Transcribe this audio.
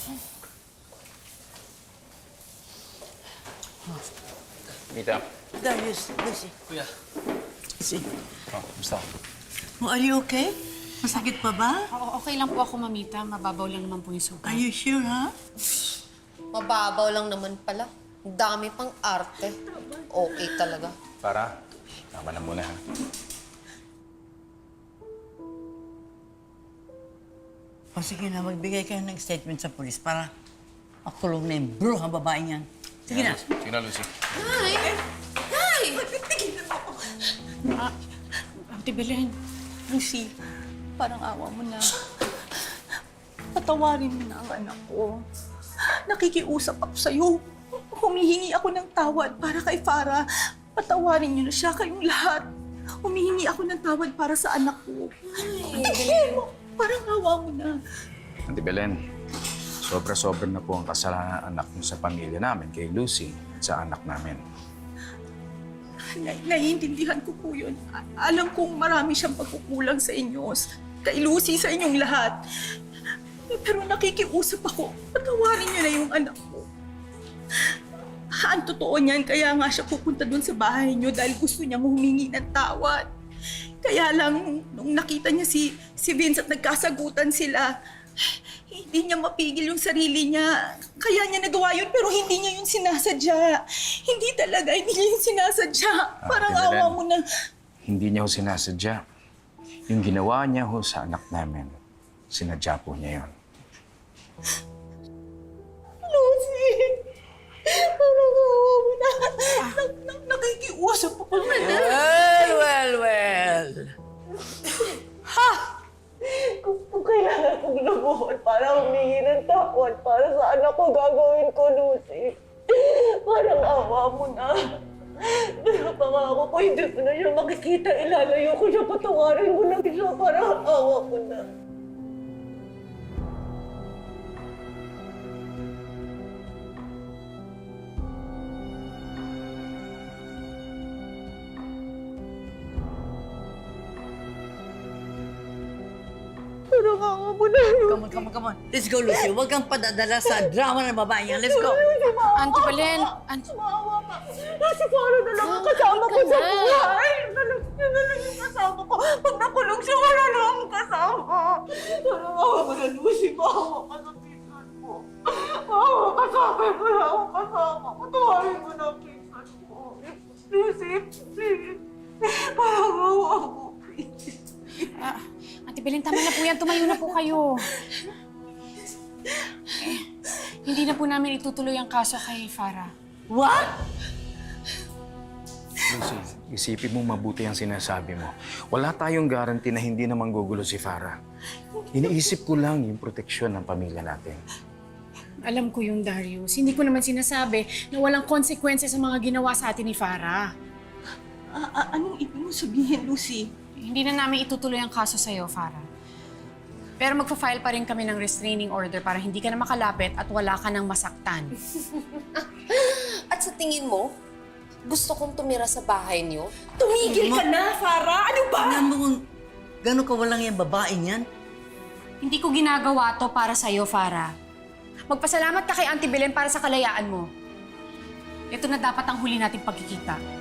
Mita. Darius, Lucy. Kuya. Lucy. Oh, kumusta? Are you okay? Masakit pa ba? Okay lang po ako, Mamita. Mababaw lang naman po yung sugat. Are you sure, ha? Mababaw lang naman pala. Ang dami pang arte. Okay talaga. Para, tama na muna ha. O sige na, magbigay kayo ng statement sa polis para makulong na yung bruhang babae niyan. Sige na. Sige na, Lucy. Ay! Ay! Ate Belen, Lucy, parang awa mo na. Patawarin mo na ang anak ko. Nakikiusap ako sa'yo. Humihingi ako ng tawad para kay Farah. Patawarin niyo na siya, kayong lahat. Humihingi ako ng tawad para sa anak ko. Patihin mo. Parang awa mo na. Auntie Belen, sobra-sobra na po ang kasalanan ng anak niyo sa pamilya namin, kay Lucy, at sa anak namin. Naiintindihan ko po yun. Alam kong marami siyang pagkukulang sa inyo. Kay Lucy, sa inyong lahat. Pero nakikiusap ako. Patawarin niyo na yung anak ko. Ang totoo niyan, kaya nga siya pupunta dun sa bahay niyo dahil gusto niyang humingi ng tawad. Kaya lang, nung nakita niya si Vince at nagkasagutan sila, hindi niya mapigil yung sarili niya. Kaya niya nagawa yun, pero hindi niya yun sinasadya. Hindi talaga, hindi niya yun sinasadya. Parang Ate Belen, awa mo na. Hindi niya ho sinasadya. Yung ginawa niya ho sa anak namin, sinadya po niya yun. Lucy! Parang awa mo na. Nakikiusap ako na. Well. Kung kailangan kong lumuhod para humingi ng tawad para sa anak ko, gagawin ko, Lucy. Parang awa mo na. Pero pangako ko, hindi ko na siya makikita. Ilalayo ko siya, patawarin mo lang siya. Parang awa mo na. Parang awa mo na, Lucy. Come on. Let's go, Lucy. Huwag kang padadala sa drama ng babae niyan. Let's go. Auntie Belen, Maawa ka. Kasi parang na lang ang kasama ko sa buhay. Yun na lang yung kasama ko. Pag nakulong siya, wala na akong kasama. Parang awa mo na, Lucy. Maawa ka sa pinsan mo. Maawa ka sa akin. Wala akong kasama. Patawarin mo na ang pinsan mo. Lucy, please. Parang awa mo, please. Ate Belen, tama na po yan. Tumayo na po kayo. Hindi na po namin itutuloy ang kaso kay Farah. What? Lucy, isipin mo mabuti ang sinasabi mo. Wala tayong guarantee na hindi na manggugulo si Farah. Iniisip ko lang yung proteksyon ng pamilya natin. Alam ko yung Darius. Hindi ko naman sinasabi na walang konsekwensya sa mga ginawa sa atin ni Farah. Anong ibig mo sabihin, Lucy? Hindi na namin itutuloy ang kaso sa'yo, Farah. Pero magpa-file pa rin kami ng restraining order para hindi ka na makalapit at wala ka nang masaktan. At sa tingin mo, gusto kong tumira sa bahay niyo? Tumigil ka na, Farah! Ano ba? Tingnan mo kung gano'n kawalang yung babae niyan. Hindi ko ginagawa to para sa'yo, Farah. Magpasalamat ka kay Auntie Belen para sa kalayaan mo. Ito na dapat ang huli nating pagkikita.